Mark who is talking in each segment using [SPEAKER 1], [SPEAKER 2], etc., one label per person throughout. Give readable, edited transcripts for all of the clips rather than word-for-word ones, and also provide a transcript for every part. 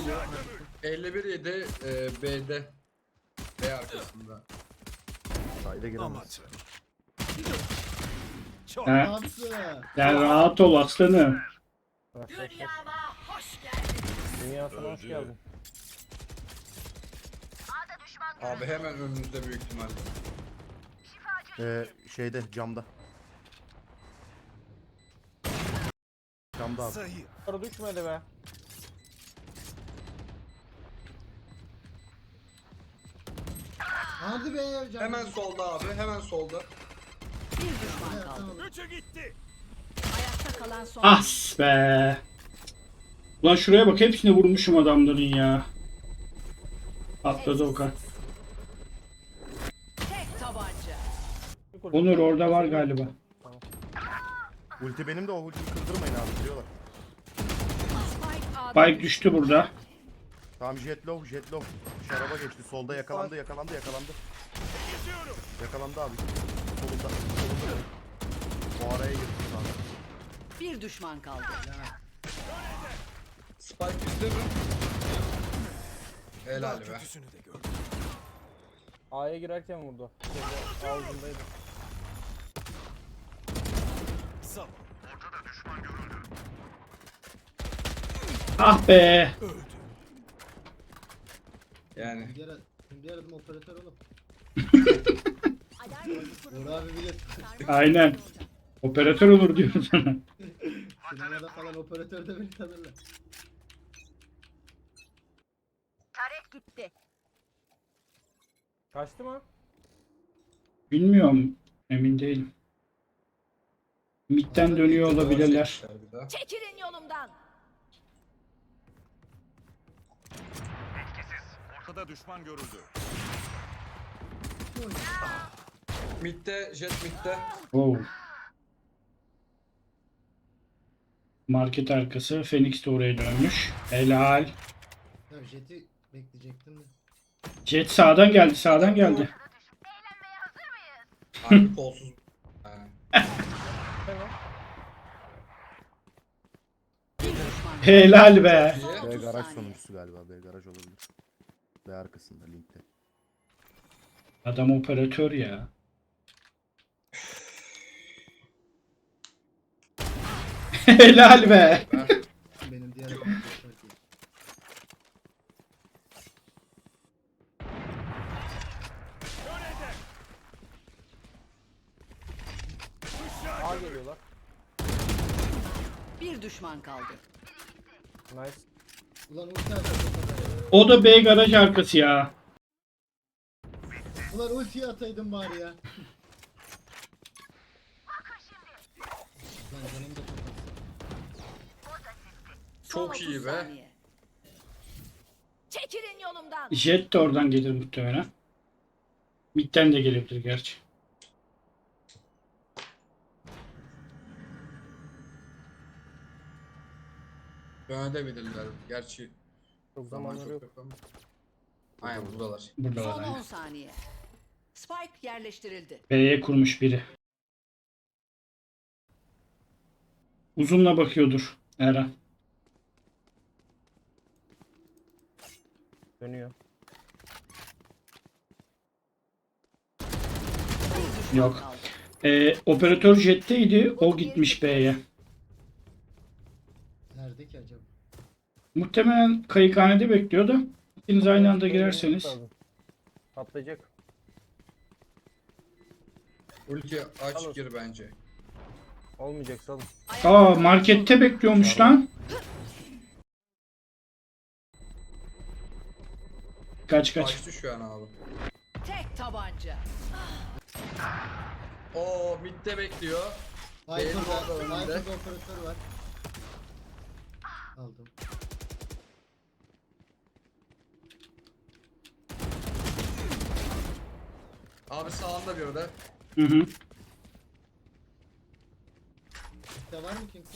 [SPEAKER 1] geliyor.
[SPEAKER 2] 51 yedi B'de. B arkasında.
[SPEAKER 3] Sayda giremez.
[SPEAKER 1] Çok
[SPEAKER 4] He.
[SPEAKER 1] mantıklı.
[SPEAKER 4] Yani rahat ol aslanım.
[SPEAKER 5] Dünyama hoş geldin.
[SPEAKER 6] Dünyasına hoş geldin.
[SPEAKER 2] Abi hemen önünüzde büyük ihtimalle.
[SPEAKER 3] Şeyde camda. Camda abi.
[SPEAKER 1] zayıf.
[SPEAKER 6] Sonra düşmedi be.
[SPEAKER 1] Hadi be hocam.
[SPEAKER 2] Hemen solda abi, hemen solda.
[SPEAKER 5] Bir düşman kaldı.
[SPEAKER 1] Üçü gitti.
[SPEAKER 5] Ayakta kalan son.
[SPEAKER 4] As be. Ulan şuraya bak, hepsine vurmuşum adamların ya. Atladı Okan.
[SPEAKER 5] Tek tabanca.
[SPEAKER 4] Onur orada var galiba.
[SPEAKER 3] Ulti benim de, o ultiyi kırdırmayın abi, biliyorlar.
[SPEAKER 5] Spike A'da.
[SPEAKER 4] Spike düştü burada.
[SPEAKER 3] Tamam, jet low, jet low. Şaraba geçti, solda yakalandı. Yakalandı abi. Solunda. O araya girdi sana.
[SPEAKER 5] Bir düşman kaldı.
[SPEAKER 2] Spike bizde mi? Helal
[SPEAKER 1] Daha
[SPEAKER 2] be.
[SPEAKER 1] kötüsünü de gördüm.
[SPEAKER 6] A'ya girerken vurdu. Şeyde, ağzındaydı.
[SPEAKER 1] Zaman
[SPEAKER 4] Ah be.
[SPEAKER 1] öldü.
[SPEAKER 2] Yani
[SPEAKER 1] Diğer adım operatör oğlum. Uğur abi bilir.
[SPEAKER 4] Aynen. Operatör olur diyorum sana.
[SPEAKER 1] Sinemada falan operatör de beni tanırlar.
[SPEAKER 5] Tarek gitti.
[SPEAKER 6] Kaçtı mı?
[SPEAKER 4] Bilmiyorum. Emin değilim. Mid'den dönüyor olabilirler.
[SPEAKER 2] Bir daha.
[SPEAKER 5] Çekilin yolumdan.
[SPEAKER 7] Ortada düşman görüldü.
[SPEAKER 2] Mid'de, jet mid'de.
[SPEAKER 4] Oh. Market arkası. Phoenix de oraya dönmüş. Helal.
[SPEAKER 1] Ya jeti bekleyecektim de.
[SPEAKER 4] Jet sağdan geldi, sağdan geldi.
[SPEAKER 2] Harbi kolsuz. Ha.
[SPEAKER 6] Tamam.
[SPEAKER 5] Bir düşman.
[SPEAKER 4] Helal be.
[SPEAKER 5] Son
[SPEAKER 3] B
[SPEAKER 5] 30
[SPEAKER 3] garaj
[SPEAKER 5] saniye.
[SPEAKER 3] sonuncusu galiba, B garaj olabilir. B arkasında, linkte.
[SPEAKER 4] Adam operatör ya. Helal be.
[SPEAKER 1] Benim diğer adım operatör değil.
[SPEAKER 6] A geliyorlar.
[SPEAKER 5] Bir düşman kaldı.
[SPEAKER 6] Nice.
[SPEAKER 1] Ulan ulti atayım.
[SPEAKER 4] O da B garaj arkası ya.
[SPEAKER 1] Ulan ultiyi ataydım bari ya. Lan canım da çok az.
[SPEAKER 5] Son
[SPEAKER 2] Çok
[SPEAKER 5] 30
[SPEAKER 2] iyi be.
[SPEAKER 5] saniye. Çekilin yolumdan.
[SPEAKER 4] Jet de oradan gelir muhtemelen. Mid'den de gelebilir gerçi.
[SPEAKER 2] Dönebilirler. Gerçi
[SPEAKER 6] Çok
[SPEAKER 2] zaman
[SPEAKER 6] zamanları
[SPEAKER 2] çok
[SPEAKER 6] yok.
[SPEAKER 2] yok ama. Aynen buradalar.
[SPEAKER 4] Burada var
[SPEAKER 5] Son
[SPEAKER 4] yani.
[SPEAKER 5] 10 saniye. Spike yerleştirildi.
[SPEAKER 4] B'ye kurmuş biri. Uzunla bakıyordur Eren.
[SPEAKER 6] Dönüyor.
[SPEAKER 5] Bir düşman
[SPEAKER 4] Yok.
[SPEAKER 5] kaldı.
[SPEAKER 4] Operatör jetteydi. O gitmiş B'ye.
[SPEAKER 1] Nerede ki acaba?
[SPEAKER 4] Muhtemelen kayıkhanede bekliyor da. İkiniz aynı anda girerseniz.
[SPEAKER 6] Patlayacak.
[SPEAKER 2] Ulti aç
[SPEAKER 6] Alır.
[SPEAKER 2] gir bence.
[SPEAKER 6] Olmayacak salın.
[SPEAKER 4] Aa, markette bekliyormuş lan. Kaç.
[SPEAKER 2] Kaçtı şu an abi.
[SPEAKER 5] Tek tabanca.
[SPEAKER 2] Oo midde bekliyor. Benim orada önünde.
[SPEAKER 1] Viper'da operatör var. Aldım.
[SPEAKER 2] Abi sağında bir de.
[SPEAKER 4] Hı hı.
[SPEAKER 1] İşte var mı kimse?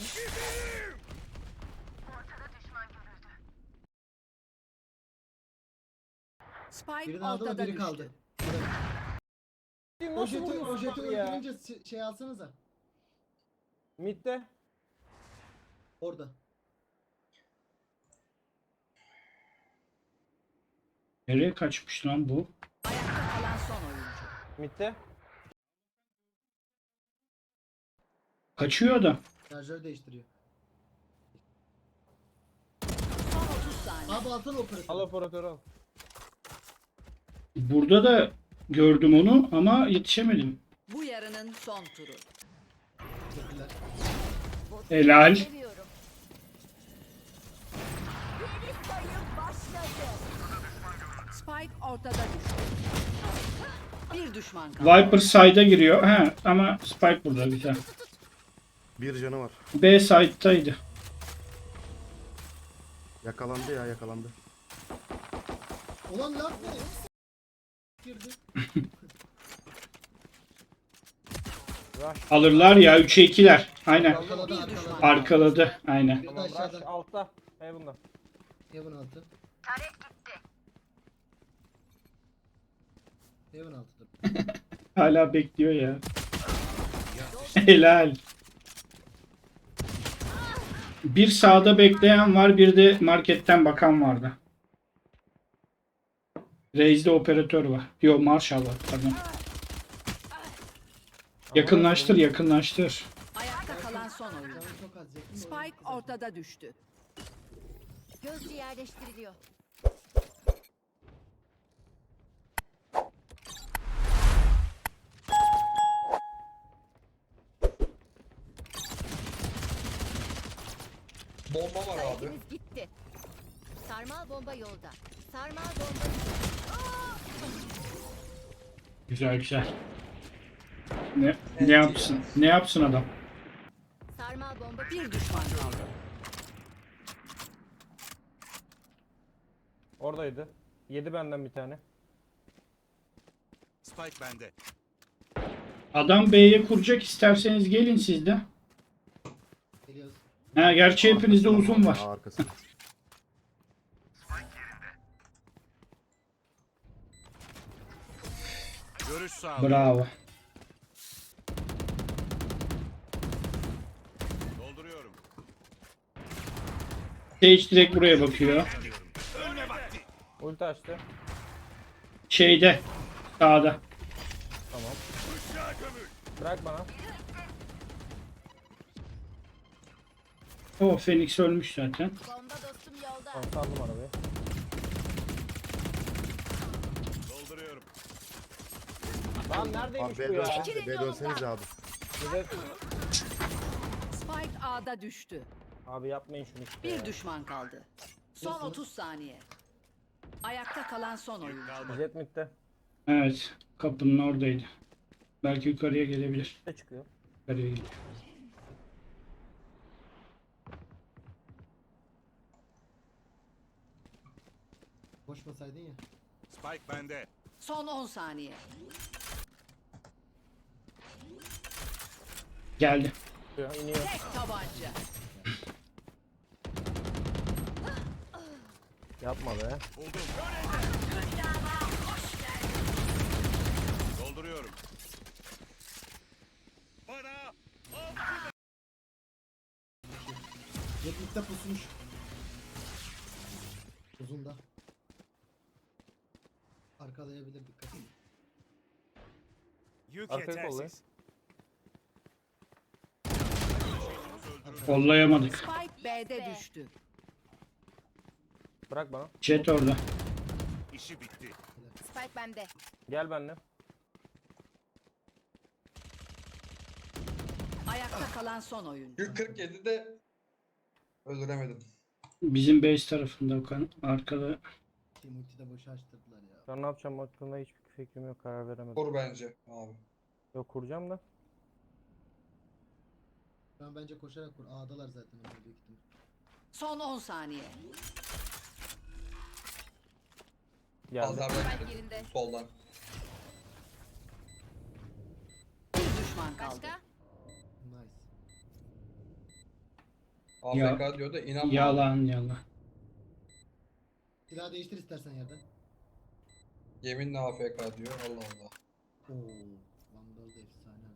[SPEAKER 5] Spike
[SPEAKER 1] Birini aldı mı
[SPEAKER 5] ortada
[SPEAKER 1] biri
[SPEAKER 5] düştü.
[SPEAKER 1] kaldı.
[SPEAKER 6] Nasıl
[SPEAKER 1] O
[SPEAKER 6] vuruyorsun
[SPEAKER 1] jeti
[SPEAKER 6] abi ya?
[SPEAKER 1] öldürünce şey alsanıza.
[SPEAKER 6] Mid'de.
[SPEAKER 1] Orada.
[SPEAKER 4] Nereye kaçmış lan bu?
[SPEAKER 5] Ayakta kalan son oyuncu.
[SPEAKER 6] Mid'de.
[SPEAKER 4] Kaçıyor adam.
[SPEAKER 1] Şarjör değiştiriyor.
[SPEAKER 5] Son 30 saniye.
[SPEAKER 1] Abi altın operatör.
[SPEAKER 6] Al operatörü al.
[SPEAKER 4] Burada da gördüm onu ama yetişemedim.
[SPEAKER 5] Bu yarının son turu.
[SPEAKER 1] Teşekkürler.
[SPEAKER 4] Helal.
[SPEAKER 8] Seviyorum. Geri sayım başladı.
[SPEAKER 5] Spike ortada düştü. Bir düşman kaldı.
[SPEAKER 4] Viper side'a giriyor. He, ama Spike burada güzel.
[SPEAKER 3] Bir canı var.
[SPEAKER 4] B side'taydı.
[SPEAKER 3] Yakalandı ya, yakalandı.
[SPEAKER 1] Ulan laf ne? Girdi.
[SPEAKER 6] Rush.
[SPEAKER 4] Alırlar ya 3'e 2'ler. Aynen.
[SPEAKER 1] Arkaladı
[SPEAKER 5] Bir düşman.
[SPEAKER 1] arkaladı.
[SPEAKER 4] Arkaladı. Aynen.
[SPEAKER 1] Bir de
[SPEAKER 6] Tamam Rush
[SPEAKER 1] aşağıda.
[SPEAKER 6] altta. Heaven'da.
[SPEAKER 1] Heaven altı. Heaven altıdır.
[SPEAKER 4] Hala bekliyor ya. Helal. Bir sağda bekleyen var, bir de marketten bakan vardı. Raze'de operatör var. Yo, Marshall var. Pardon. Yakınlaştır, yakınlaştır.
[SPEAKER 5] Ayakta kalan son oyuncu.
[SPEAKER 1] Canım çok az yakın. da
[SPEAKER 5] Spike
[SPEAKER 1] oyun
[SPEAKER 5] ortada düştü.
[SPEAKER 8] Gözcü yerleştiriliyor.
[SPEAKER 2] Bomba var abi.
[SPEAKER 8] Saygınız gitti. Sarmal bomba yolda. Sarmal bomba.
[SPEAKER 4] Güzel güzel. Ne yapsın? Ne yapsın adam?
[SPEAKER 8] Sarmal bomba.
[SPEAKER 5] Bir düşman kaldı.
[SPEAKER 6] Oradaydı. Yedi benden bir tane.
[SPEAKER 7] Spike bende.
[SPEAKER 4] Adam B'ye kuracak, isterseniz gelin siz de.
[SPEAKER 1] Geliyoruz.
[SPEAKER 4] Ha, gerçi hepinizde uzun var.
[SPEAKER 3] Aa, arkasında.
[SPEAKER 7] Görüş sağlıyorum.
[SPEAKER 4] Bravo.
[SPEAKER 7] Dolduruyorum.
[SPEAKER 4] Sage direkt buraya bakıyor.
[SPEAKER 6] Ulti açtı.
[SPEAKER 4] Şeyde. Sağda.
[SPEAKER 6] Tamam. Bırak bana.
[SPEAKER 4] O Phoenix ölmüş zaten.
[SPEAKER 8] Bomba dostum yolda.
[SPEAKER 6] Tamam saldım arabayı.
[SPEAKER 7] Dolduruyorum.
[SPEAKER 6] Lan neredeymiş
[SPEAKER 3] Abi
[SPEAKER 6] bu
[SPEAKER 3] B
[SPEAKER 6] ya?
[SPEAKER 3] dönsenize, B dönsenize abi.
[SPEAKER 6] Bir de-
[SPEAKER 5] Spike A'da düştü.
[SPEAKER 6] Abi yapmayın şunu işte
[SPEAKER 5] Bir
[SPEAKER 6] ya.
[SPEAKER 5] düşman kaldı. Son 30 saniye. Ayakta kalan son oyuncu.
[SPEAKER 7] Kalmadı.
[SPEAKER 6] Jet midde.
[SPEAKER 4] Evet. Kapının oradaydı. Belki yukarıya gelebilir.
[SPEAKER 6] Ne çıkıyor?
[SPEAKER 4] Yukarıya geliyor.
[SPEAKER 1] Koşmasaydın ya.
[SPEAKER 7] Spike bende.
[SPEAKER 5] Son 10 saniye.
[SPEAKER 4] Geldi.
[SPEAKER 6] İniyor.
[SPEAKER 5] Tek tabanca.
[SPEAKER 6] Yapma be.
[SPEAKER 7] Buldum. Dolduruyorum. Bana
[SPEAKER 1] Yetlikte pusmuş. Uzun da. Arkalayabilir, dikkat edin.
[SPEAKER 7] yük
[SPEAKER 6] Arkayı kollayın.
[SPEAKER 4] Kollayamadık.
[SPEAKER 5] Spike B'de düştü.
[SPEAKER 6] Bırak bana.
[SPEAKER 4] Jet orada.
[SPEAKER 7] İşi bitti.
[SPEAKER 8] Spike bende.
[SPEAKER 6] Gel benimle.
[SPEAKER 5] Ayakta kalan son oyuncu.
[SPEAKER 2] 147'de öldüremedim.
[SPEAKER 4] Bizim base tarafında Okan. Arkada.
[SPEAKER 1] Team ultide boşa açtırdılar ya.
[SPEAKER 6] Ben ne yapacağım hakkında hiçbir fikrim yok. Karar veremedim.
[SPEAKER 2] Koru bence abi.
[SPEAKER 6] Yok kuracağım da.
[SPEAKER 1] Şu an bence koşarak kur. A'dalar zaten onlar büyük ihtimal.
[SPEAKER 5] Son 10 saniye.
[SPEAKER 6] Geldi.
[SPEAKER 2] Pazardan
[SPEAKER 8] Spike
[SPEAKER 2] girdim.
[SPEAKER 8] yerinde.
[SPEAKER 2] Soldan.
[SPEAKER 5] Bir düşman kaldı.
[SPEAKER 8] Başka?
[SPEAKER 1] Nice.
[SPEAKER 2] AFK diyor da inanma.
[SPEAKER 4] Yalan yalan.
[SPEAKER 1] Silah değiştir istersen yerden.
[SPEAKER 2] Yeminle AFK diyor. Allah Allah.
[SPEAKER 1] Oo. Vandal da efsane.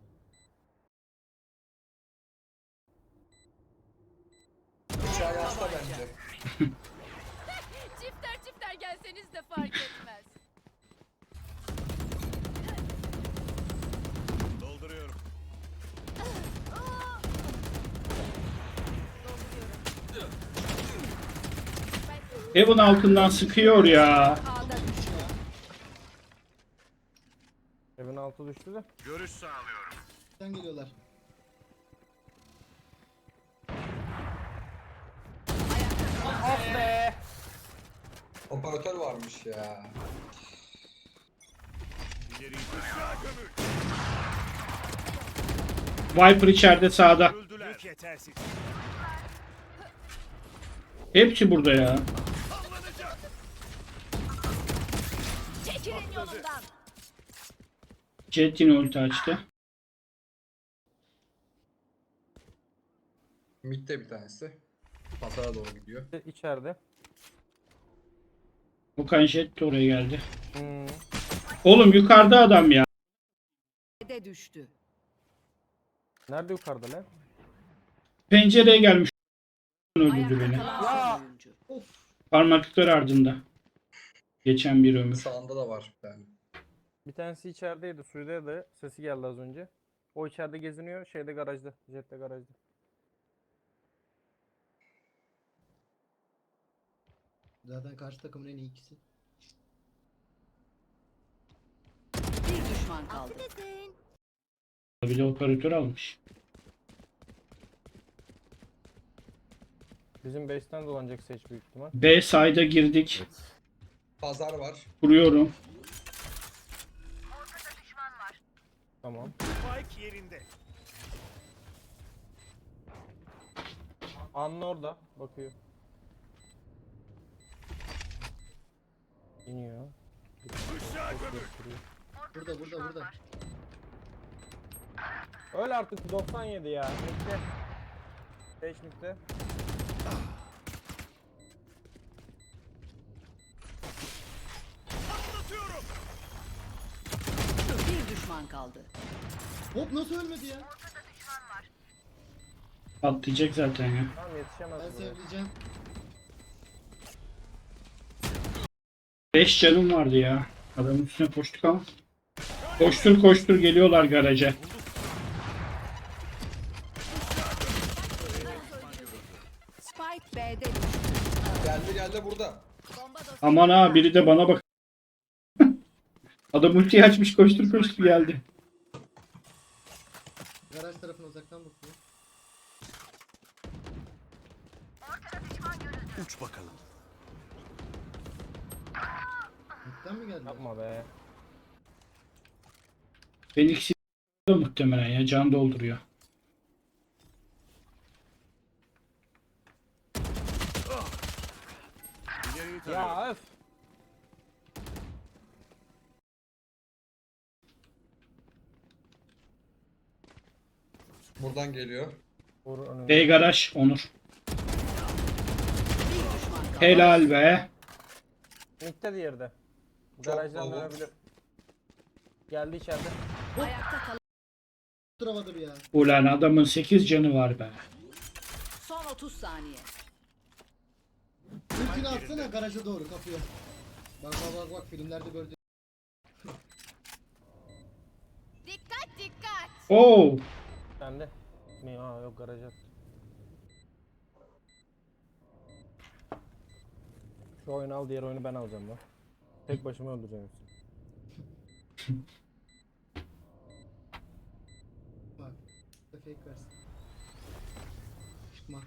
[SPEAKER 2] Bıçağı yasta bence.
[SPEAKER 8] Çifter çifter gelseniz de fark etmez.
[SPEAKER 4] Evin altından sıkıyor ya.
[SPEAKER 5] A'da düştü.
[SPEAKER 6] Evin altı düştü de.
[SPEAKER 7] Görüş sağlıyorum.
[SPEAKER 1] Sen geliyorlar.
[SPEAKER 6] Of be.
[SPEAKER 9] Operatör varmış ya.
[SPEAKER 7] İleri aşağı gömül.
[SPEAKER 4] Viper içeride sağda.
[SPEAKER 7] Öldüler. Yük yetersiz.
[SPEAKER 4] Hepsi burada ya.
[SPEAKER 7] Sallanacak.
[SPEAKER 8] Çekilin yolumdan.
[SPEAKER 4] Jet yine ulti açtı.
[SPEAKER 9] Mid'de bir tanesi. Pazara doğru gidiyor.
[SPEAKER 6] İçeride.
[SPEAKER 4] Okan Jet de oraya geldi.
[SPEAKER 6] Hmm.
[SPEAKER 4] Oğlum yukarıda adam ya.
[SPEAKER 5] B'de düştü.
[SPEAKER 6] Nerede yukarıda lan?
[SPEAKER 4] Pencereye gelmiş. Öldürdü
[SPEAKER 5] Ayakta
[SPEAKER 4] beni.
[SPEAKER 5] kalan son oyuncu.
[SPEAKER 4] Parmaklıklar ardında. Geçen bir ömür.
[SPEAKER 9] Sağında da var bir tane.
[SPEAKER 6] Bir tanesi içerideydi. Suyudaydı. Sesi geldi az önce. O içeride geziniyor. Şeyde garajda. Jet'te garajda.
[SPEAKER 1] Zaten karşı takımın en iyi ikisi.
[SPEAKER 5] Bir düşman kaldı.
[SPEAKER 8] Affedersin.
[SPEAKER 4] Bir de operatör almış.
[SPEAKER 6] Bizim base'ten dolanacak seç büyük ihtimal.
[SPEAKER 4] B side'a girdik.
[SPEAKER 9] Pazar var.
[SPEAKER 4] Kuruyorum.
[SPEAKER 6] Tamam.
[SPEAKER 7] Spike yerinde.
[SPEAKER 6] Anla orada. Bakıyor. İniyor.
[SPEAKER 7] Aşağı gömül.
[SPEAKER 1] Burada.
[SPEAKER 6] Öl artık 97 ya. Bekle. 5 nükte.
[SPEAKER 7] Anlatıyorum.
[SPEAKER 5] Bir düşman kaldı.
[SPEAKER 1] Hop nasıl ölmedi ya?
[SPEAKER 4] Patlayacak zaten ya.
[SPEAKER 6] Tamam yetişemez
[SPEAKER 1] Ben
[SPEAKER 6] buraya.
[SPEAKER 1] sevleyeceğim.
[SPEAKER 4] 5 canım vardı ya. Adamın üstüne koştuk ama. Koştur geliyorlar garaja.
[SPEAKER 5] Spike B'de düştü.
[SPEAKER 9] Geldi burada.
[SPEAKER 8] Bomba dostum.
[SPEAKER 4] Aman ha biri de bana bak. Adam ultiyi açmış koştur geldi.
[SPEAKER 1] Garaj tarafına uzaktan bakıyor.
[SPEAKER 7] Uç bakalım.
[SPEAKER 1] Mid'den mi geldi?
[SPEAKER 6] Yapma be.
[SPEAKER 4] Phoenix da muhtemelen ya can dolduruyor.
[SPEAKER 7] İleriyi tarıyorum.
[SPEAKER 6] Ya öf.
[SPEAKER 9] Buradan geliyor.
[SPEAKER 6] Vur önüne.
[SPEAKER 4] B garaj Onur.
[SPEAKER 5] Bir düşman kaldı.
[SPEAKER 4] Helal be.
[SPEAKER 6] Mid'de diğeri de.
[SPEAKER 9] Çok
[SPEAKER 6] Garajdan
[SPEAKER 9] baba.
[SPEAKER 6] dönebilir. Geldi içeride.
[SPEAKER 5] Ayakta kalan
[SPEAKER 1] Tutturamadım ya.
[SPEAKER 4] Ulan adamın 8 canı var be.
[SPEAKER 5] son 30 saniye.
[SPEAKER 1] Ultini atsana garaja doğru kapıya. Bak filmlerde böyle.
[SPEAKER 8] Dikkat.
[SPEAKER 4] Oo.
[SPEAKER 6] Sende. Mi? Aa yok garaja. Şu oyunu al, diğer oyunu ben alacağım lan. Tek başıma öldüreceğim hepsini.
[SPEAKER 1] Bak. Fake versin. Çıkma.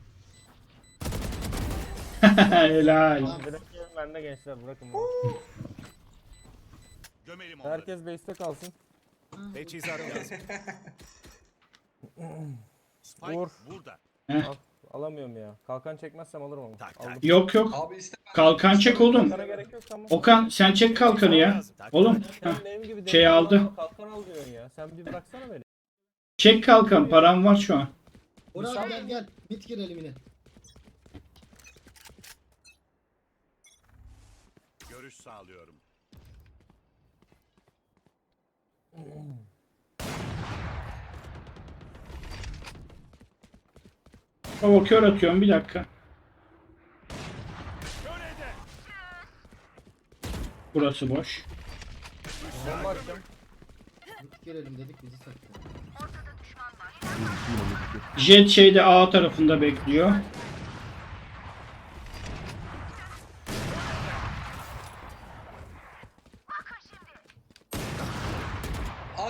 [SPEAKER 4] Helal.
[SPEAKER 6] Bırakıyorum ben de gençler, bırakın beni.
[SPEAKER 7] Gömelim onları.
[SPEAKER 6] Herkes base'te kalsın.
[SPEAKER 7] Teçhizat lazım. Spike
[SPEAKER 6] Vur.
[SPEAKER 7] burada.
[SPEAKER 6] Al, alamıyorum ya. Kalkan çekmezsem alırım onu.
[SPEAKER 7] Tak, tak.
[SPEAKER 6] Aldım.
[SPEAKER 4] Yok
[SPEAKER 9] Abi iste.
[SPEAKER 4] Kalkan çek oğlum.
[SPEAKER 6] Kalkana gerek yok tamam.
[SPEAKER 4] Okan sen çek kalkanı ya. Oğlum.
[SPEAKER 6] Sen
[SPEAKER 4] Heh.
[SPEAKER 6] benim gibi
[SPEAKER 4] Şey
[SPEAKER 6] deli
[SPEAKER 4] aldı.
[SPEAKER 6] olan kalkan al diyorsun ya. Sen bir bıraksana beni.
[SPEAKER 4] Çek kalkan param var şu an.
[SPEAKER 1] Oraya gel. Mid girelim yine.
[SPEAKER 7] Görüş sağlıyorum.
[SPEAKER 4] Baba kör atıyorum bir dakika.
[SPEAKER 7] Körede.
[SPEAKER 4] Burası boş.
[SPEAKER 6] Bomba atacağım.
[SPEAKER 1] Mid girelim dedik bizi sattı.
[SPEAKER 4] Jet şeyde A tarafında bekliyor.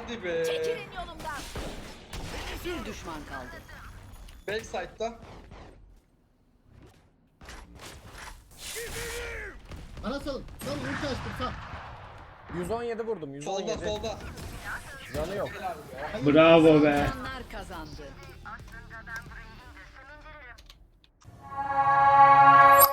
[SPEAKER 9] Hadi be.
[SPEAKER 5] Çekilin yolumdan. Bir düşman kaldı.
[SPEAKER 9] Backside'da.
[SPEAKER 1] Bana salın. Salın ulti açtım sal.
[SPEAKER 6] 117 vurdum. 117.
[SPEAKER 9] Solda solda.
[SPEAKER 6] Canı yok.
[SPEAKER 4] Bravo be.
[SPEAKER 5] Onlar kazandı.